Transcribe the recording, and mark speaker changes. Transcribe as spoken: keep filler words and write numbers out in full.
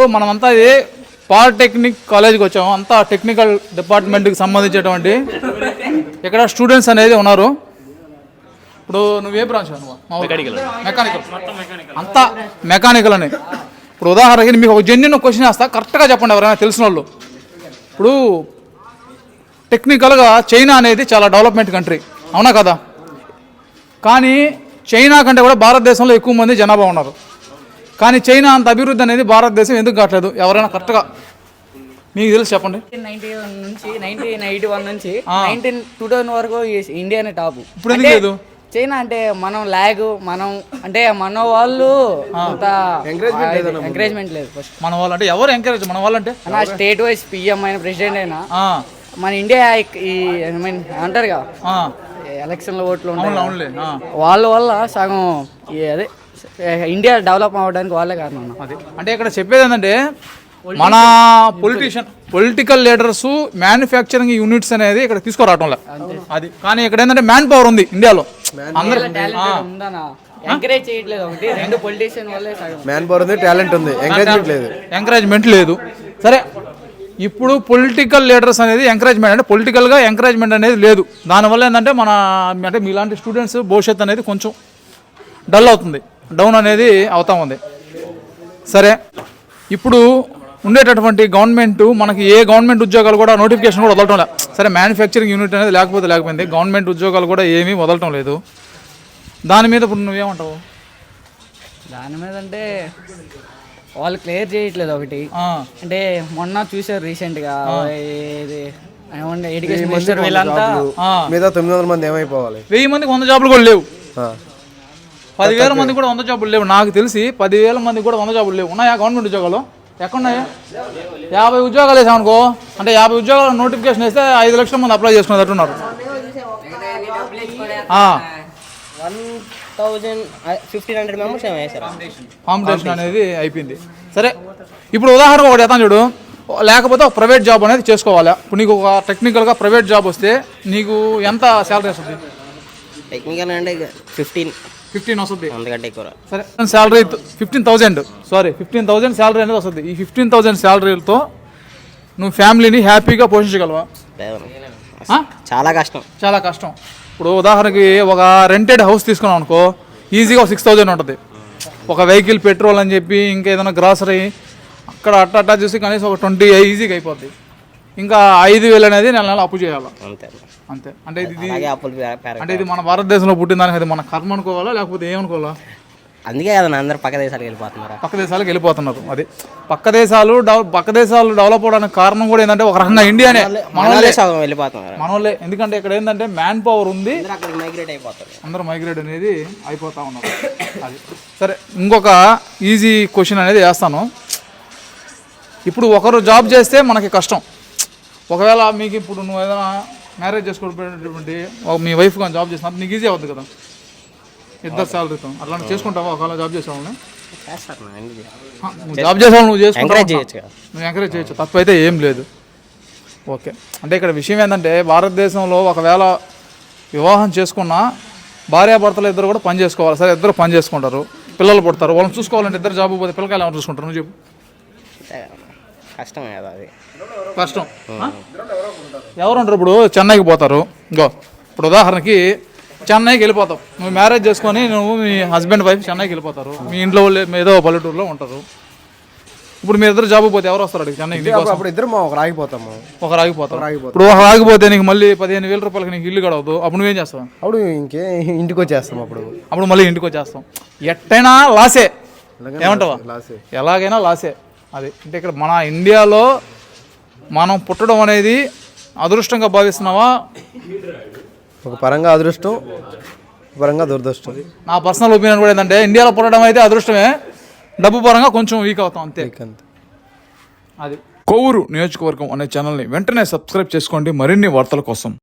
Speaker 1: మనమంతా ఏ పాలిటెక్నిక్ కాలేజ్కి వచ్చాము, అంతా టెక్నికల్ డిపార్ట్మెంట్కి సంబంధించినటువంటి ఇక్కడ స్టూడెంట్స్ అనేది ఉన్నారు. ఇప్పుడు నువ్వే బ్రాంచ్ మెకానికల్ మెకానికల్ అంతా మెకానికల్ అని. ఇప్పుడు ఉదాహరణకి మీకు ఒక జెన్యున్ క్వశ్చన్ వేస్తా, కరెక్ట్గా చెప్పండి ఎవరైనా తెలిసిన వాళ్ళు. ఇప్పుడు టెక్నికల్గా చైనా అనేది చాలా డెవలప్మెంట్ కంట్రీ, అవునా కదా? కానీ చైనా కంటే కూడా భారతదేశంలో ఎక్కువ మంది జనాభా ఉన్నారు. కానీ చైనా అంత అభివృద్ధి అనేది భారతదేశం ఎందుకు కావట్లేదు? ఎవరైనా కరెక్ట్గా మీకు తెలిసి చెప్పండి.
Speaker 2: నైన్టీ వన్ నుంచి నైన్టీన్ ఎయిటీ వన్ నుంచి నైన్టీన్ టూ థౌసండ్ వరకు ఇండియానే టాప్.
Speaker 1: ఇప్పుడు ఎందుకు లేదు?
Speaker 2: చైనా అంటే మనం లాగ్, మనం అంటే మన వాళ్ళు అంత ఎంకరేజ్మెంట్ లేదు. ఫస్ట్
Speaker 1: మన వాళ్ళు అంటే ఎవరు ఎంకరేజ్? మన వాళ్ళు అంటే
Speaker 2: నా స్టేట్ వైజ్ పిఎం అయిన ప్రెసిడెంట్ అయినా మన ఇండియా ఈ ఐ మీన్ అంటారు కదా ఎలక్షన్లో ఓట్లు ఉంటాయి, వాళ్ళ వల్ల సగం అదే ఇండియా డెవలప్ అవ్వడానికి వాళ్ళే కారణం.
Speaker 1: అది అంటే ఇక్కడ చెప్పేది ఏంటంటే మన politician political leaders manufacturing units అనేది ఇక్కడ తీసుకురావటంలే అది. కానీ ఇక్కడ ఏంటంటే మ్యాన్ పవర్ ఉంది ఇండియాలో, అందరూ
Speaker 2: ఎంకరేజ్ చేయట్లేదు. ఒకటి రెండు పొలిటీషియన్ వల్లే సగం
Speaker 3: మ్యాన్ పవర్ ఉంది, టాలెంట్ ఉంది, ఎంకరేజ్మెంట్ లేదు.
Speaker 1: ఎంకరేజ్మెంట్ లేదు. సరే, ఇప్పుడు పొలిటికల్ లీడర్స్ అనేది ఎంకరేజ్మెంట్ అంటే పొలిటికల్గా ఎంకరేజ్మెంట్ అనేది లేదు. దానివల్ల ఏంటంటే మన అంటే మీలాంటి స్టూడెంట్స్ భవిష్యత్తు అనేది కొంచెం డల్ అవుతుంది, డౌన్ అనేది అవుతా ఉంది. సరే, ఇప్పుడు ఉండేటటువంటి గవర్నమెంట్ మనకి ఏ గవర్నమెంట్ ఉద్యోగాలు కూడా నోటిఫికేషన్ కూడా వదలటం లేదు. సరే, మ్యానుఫ్యాక్చరింగ్ యూనిట్ అనేది లేకపోతే లేకపోయింది, గవర్నమెంట్ ఉద్యోగాలు కూడా ఏమీ వదలటం లేదు. దాని మీద ఇప్పుడు నువ్వేమంటావు?
Speaker 2: దాని మీద అంటే వాళ్ళు క్లియర్ చేయట్లేదు. ఒకటి అంటే మొన్న చూసారు రీసెంట్గా ఎడ్యుకేషన్ మినిస్టర్ వీళ్ళంతా
Speaker 3: మీద తొమ్మిది వందల మంది ఏమైపోవాలి,
Speaker 1: వెయ్యి మందికి వంద జాబులు కూడా లేవు, పదివేల మంది కూడా వంద జాబులు లేవు. నాకు తెలిసి పదివేల మంది కూడా వంద జాబులు లేవు. ఉన్నాయా గవర్నమెంట్ ఉద్యోగాలు? ఎక్కడున్నాయా? యాభై ఉద్యోగాలు వేసామనుకో, అంటే యాభై ఉద్యోగాలు నోటిఫికేషన్ వేస్తే ఐదు లక్షల మంది అప్లై చేసుకున్నట్టున్నారు. కాంపిటీషన్ అనేది అయిపోయింది. సరే, ఇప్పుడు ఉదాహరణ ఒకటి ఎత్తాను చూడు. లేకపోతే ఒక ప్రైవేట్ జాబ్ అనేది చేసుకోవాలి. ఇప్పుడు నీకు ఒక టెక్నికల్గా ప్రైవేట్ జాబ్ వస్తే నీకు ఎంత శాలరీ వస్తుంది?
Speaker 4: టెక్నికల్ అంటే ఫిఫ్టీన్
Speaker 1: ఫిఫ్టీన్ వస్తుంది,
Speaker 4: అందుకంటే ఎక్కువ.
Speaker 1: సరే, salary fifteen thousand sorry fifteen thousand salary అనేది వస్తుంది. ఈ ఫిఫ్టీన్ థౌజండ్ శాలరీలతో నువ్వు ఫ్యామిలీని హ్యాపీగా పోషించగలవా?
Speaker 4: చాలా కష్టం,
Speaker 1: చాలా కష్టం. ఇప్పుడు ఉదాహరణకి ఒక రెంటెడ్ హౌస్ తీసుకున్నాం అనుకో, ఈజీగా ఒక సిక్స్ థౌజండ్ ఉంటుంది. ఒక వెహికల్ పెట్రోల్ అని చెప్పి ఇంకా ఏదైనా గ్రాసరీ అక్కడ అట్ట అట్టా చూసి కనీసం ఒక ట్వంటీ ఈజీగా అయిపోద్ది. ఇంకా ఐదు వేలు అనేది నెల నెల అప్పు చేయాలి, అంతే అంతే. అంటే ఇది అంటే ఇది మన భారతదేశంలో పుట్టిన దానికి అది మన కర్మ అనుకోవాలా లేకపోతే ఏమనుకోవాలా?
Speaker 4: అందుకే కదా అందరు పక్క దేశాలకు వెళ్ళిపోతున్నారు,
Speaker 1: పక్క దేశాలకు వెళ్ళిపోతున్నారు. అది పక్క దేశాలు డెవలప్ పక్క దేశాలు డెవలప్ అవడానికి కారణం కూడా ఏంటంటే ఒక రకంగా ఇండియానే
Speaker 4: మనోళ్ళే వెళ్ళిపోతున్నారు,
Speaker 1: మనోళ్ళే. ఎందుకంటే ఇక్కడ ఏంటంటే మ్యాన్ పవర్ ఉంది,
Speaker 4: మైగ్రేట్ అయిపోతారు,
Speaker 1: అందరూ మైగ్రేట్ అనేది అయిపోతా ఉన్నారు. అది సరే, ఇంకొక ఈజీ క్వశ్చన్ అనేది వేస్తాను. ఇప్పుడు ఒకరు జాబ్ చేస్తే మనకి కష్టం. ఒకవేళ మీకు ఇప్పుడు నువ్వు ఏదైనా మ్యారేజ్ చేసుకోవడానికి మీ వైఫ్ కానీ జాబ్ చేసినప్పుడు నీకు ఈజీ అవుతుంది కదా, ఇద్దరు శాలరీతో. అట్లా చేసుకుంటావా? ఒకవేళ జాబ్ చేసేవాళ్ళని నువ్వు జాబ్ చేసేవాళ్ళు నువ్వు చేసుకుంటావు, నువ్వు ఎంకరేజ్ చేయొచ్చు, తప్పు అయితే ఏం లేదు. ఓకే, అంటే ఇక్కడ విషయం ఏంటంటే భారతదేశంలో ఒకవేళ వివాహం చేసుకున్నా భార్యాభర్తలు ఇద్దరు కూడా పని చేసుకోవాలి. సరే, ఇద్దరు పని చేసుకుంటారు, పిల్లలు పుడతారు, వాళ్ళని చూసుకోవాలంటే ఇద్దరు జాబ్ పోతే పిల్లకాయలు ఎవరు చూసుకుంటారు? నువ్వు చెప్పు.
Speaker 4: కష్టం కదా అది,
Speaker 1: కష్టం. ఎవరు ఉంటారు? ఇప్పుడు చెన్నైకి పోతారు. ఇంకో ఇప్పుడు ఉదాహరణకి చెన్నైకి వెళ్ళిపోతావు, నువ్వు మ్యారేజ్ చేసుకొని నువ్వు మీ హస్బెండ్ వైఫ్ చెన్నైకి వెళ్ళిపోతారు. మీ ఇంట్లో వాళ్ళు ఏదో పల్లెటూరులో ఉంటారు. ఇప్పుడు మీ ఇద్దరు జాబ్ పోతే ఎవరు వస్తారు అడిగి చెన్నైకి?
Speaker 3: అప్పుడు ఇద్దరు ఒకరు ఆగిపోతాము,
Speaker 1: ఒకరు ఆగిపోతారు. ఇప్పుడు ఒక ఆగిపోతే నీకు మళ్ళీ పదిహేను వేల రూపాయలకి నీకు ఇల్లు గడవదు. అప్పుడు నువ్వేం చేస్తావు?
Speaker 3: అప్పుడు ఇంకే ఇంటికి వచ్చేస్తాం. అప్పుడు
Speaker 1: అప్పుడు మళ్ళీ ఇంటికి వచ్చేస్తాం. ఎట్టయినా లాసే, ఏమంటావా? ఎలాగైనా లాసే. అది అంటే ఇక్కడ మన ఇండియాలో మనం పుట్టడం అనేది అదృష్టంగా భావిస్తున్నావా?
Speaker 3: ఒక పరంగా అదృష్టం, పరంగా దురదృష్టం.
Speaker 1: నా పర్సనల్ ఒపీనియన్ కూడా ఏంటంటే ఇండియాలో పుట్టడం అయితే అదృష్టమే, డబ్బు పరంగా కొంచెం వీక్ అవుతాం అంతే. అది కొవ్వూరు నియోజకవర్గం అనే ఛానల్ని వెంటనే సబ్స్క్రైబ్ చేసుకోండి మరిన్ని వార్తల కోసం.